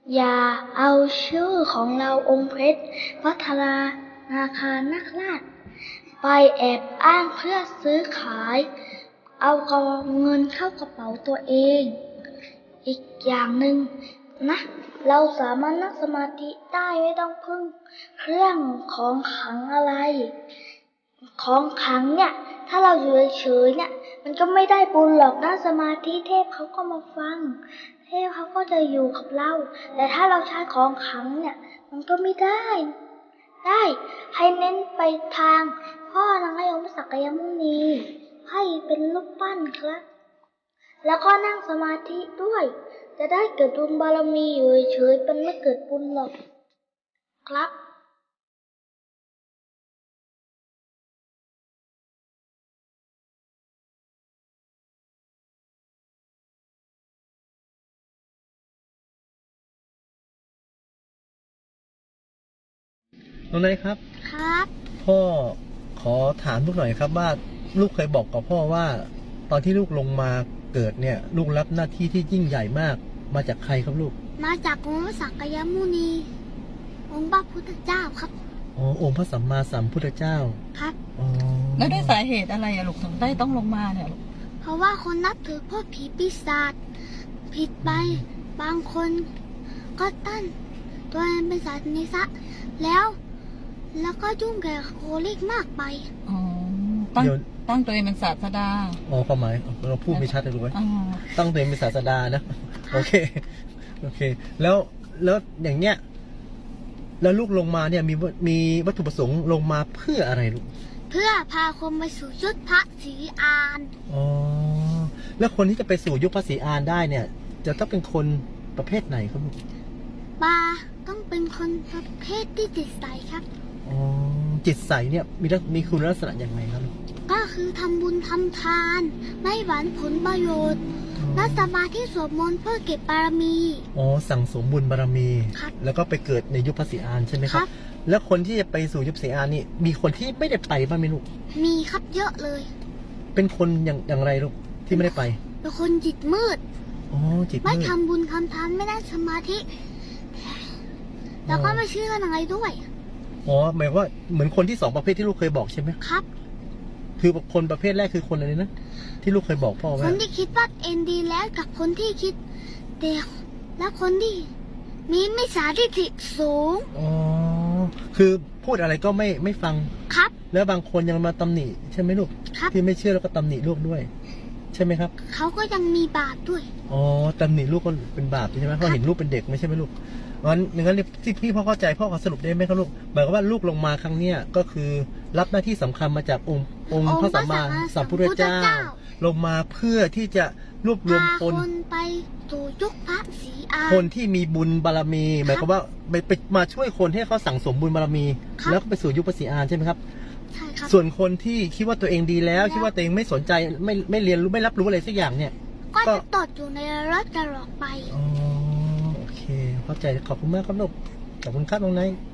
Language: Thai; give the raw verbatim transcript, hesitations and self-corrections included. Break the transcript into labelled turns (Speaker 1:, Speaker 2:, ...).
Speaker 1: อย่าเอาชื่อของเราองค์เพชรพัฒนานาคารนักราชไปแอบอ้างเพื่อซื้อขายเอาเงินเข้ากระเป๋าตัวเองอีกอย่างหนึ่งนะเราสามารถนั่งสมาธิได้ไม่ต้องพึ่งเครื่องของขลังอะไรของขลังเนี่ยถ้าเราอยู่เฉยๆเนี่ยมันก็ไม่ได้บุญหรอกนั่งสมาธิเทพเขาก็มาฟังเทพเขาก็จะอยู่กับเราแต่ถ้าเราใช้ของขลังเนี่ยมันก็ไม่ได้ได้ให้เน้นไปทางพ่อนางยมศักยมุนีให้เป็นรูปปั้นครับแล้วก็นั่งสมาธิด้วยจะได้เกิดบุญบารมีอยู่เฉยๆเป็นไม่เกิดบุญหรอกครับ
Speaker 2: น้องนายครับ
Speaker 1: ครับ
Speaker 2: พ่อขอถามลูกหน่อยครับว่าลูกเคยบอกกับพ่อว่าตอนที่ลูกลงมาเกิดเนี่ยลูกรับหน้าที่ที่ยิ่งใหญ่มากมาจากใครครับลูก
Speaker 1: มาจากองค์พระสักยมุนีองค์พระพุทธเจ้าครับ
Speaker 2: อ๋อองค์พระสัมมาสัมพุทธเจ้า
Speaker 1: ครับ
Speaker 2: อ๋อ
Speaker 3: แล้วด้วยสาเหตุอะไรอะลูกถึงได้ต้องลงมาเนี่ยลูก
Speaker 1: เพราะว่าคนนับถือพวกผีปีศาจผิดไปบางคนก็ตั้นตัวเองเป็นศาสนิสะแล้วแล้วก็ยุ่งแก่โคลิกมากไป
Speaker 3: อ๋อตั้งตั้งตัวเองเป็นศาสดา
Speaker 2: อ๋อความหมายเราพูดไม่ชัดเลยรู้ไหมตั้งตัวเองเป็นศาสดานะโอเคโอเคแล้วแล้วอย่างเงี้ยแล้วลูกลงมาเนี่ยมีมีวัตถุประสงค์ลงมาเพื่ออะไรลูก
Speaker 1: เพื่อพาคนไปสู่ยุคพระศรีอาน
Speaker 2: อ๋อแล้วคนที่จะไปสู่ยุคพระศรีอานได้เนี่ยจะต้องเป็นคนประเภทไหนครับลูก
Speaker 1: ปาต้องเป็นคนประเภทที่จิตใสครับ
Speaker 2: อ๋อจิตใสเนี่ยมีมีคุณลักษณะยังไงครับ
Speaker 1: ก็คือทำบุญทำทานไม่หวังผลประโยชน์นั่งสมาธิสวดมนต์เพื่อเก็บบารมี
Speaker 2: อ๋อสั่งสมบุญบารมีแล้วก็ไปเกิดในยุคพระศรีอานใช่ไหมครับแล้วคนที่จะไปสู่ยุคพระศรีอานนี่มีคนที่ไม่ได้ไปบ้างไหมลูก
Speaker 1: มีครับเยอะเลย
Speaker 2: เป็นคนอย่างอย่างไรลูกที่ไม่ได้ไป
Speaker 1: เป็นคนจิตมืด
Speaker 2: อ๋อจิตมืด
Speaker 1: ไม่ทำบุญทำทานไม่ได้สมาธิแล้วก็ไม่เชื่ออะไรด้วย
Speaker 2: อ๋อหมายว่าเหมือนคนที่สองประเภทที่ลูกเคยบอกใช่ไหม
Speaker 1: ครับ
Speaker 2: คือคนประเภทแรกคือคนอะไรนะที่ลูกเคยบอกพ่อว่า
Speaker 1: คนที่คิดว่าเอ็นดีแล้วกับคนที่คิดเดียวแล้วคนที่มีมิจฉาทิฏฐิสูง
Speaker 2: อ๋อคือพูดอะไรก็ไม่ไม่ฟัง
Speaker 1: ครับ
Speaker 2: แล้วบางคนยังมาตำหนิใช่ไหมลูก
Speaker 1: ครับ
Speaker 2: ที่ไม่เชื่อแล้วก็ตำหนิลูกด้วยใช่ไหมครับ
Speaker 1: เขาก็ยังมีบาปด้วย
Speaker 2: อ๋อตำหนิลูกก็เป็นบาปใช่ไหมเพราะเห็นลูกเป็นเด็กไม่ใช่ไหมลูกงั้นงั้นที่พี่พ่อเข้าใจพ่อขอสรุปได้ไหมครับลูกหมายความว่าลูกลงมาครั้งเนี้ยก็คือรับหน้าที่สำคัญมาจากองค์องค์พระสัมมาสัมพุทธเจ้าลงมาเพื่อที่จะรวบรวมคน
Speaker 1: ไปสู่ยุคพระศรีอาน
Speaker 2: คนที่มีบุญบารมีหมายความว่าไปไปมาช่วยคนให้เขาสั่งสมบุญบารมีแล้วก็ไปสู่ยุคพระศรีอานใช่ไหมครับ
Speaker 1: ใช่ครับ
Speaker 2: ส่วนคนที่คิดว่าตัวเองดีแล้วคิดว่าตัวเองไม่สนใจไม่ไม่เรียนรู้ไม่รับรู้อะไรสักอย่างเนี่ย
Speaker 1: ก็จะตดอยู่ในรถตลอดไป
Speaker 2: อ๋อโอเคเข้าใจขอบคุณมากครับลูกขอบคุณครับน้องไนท์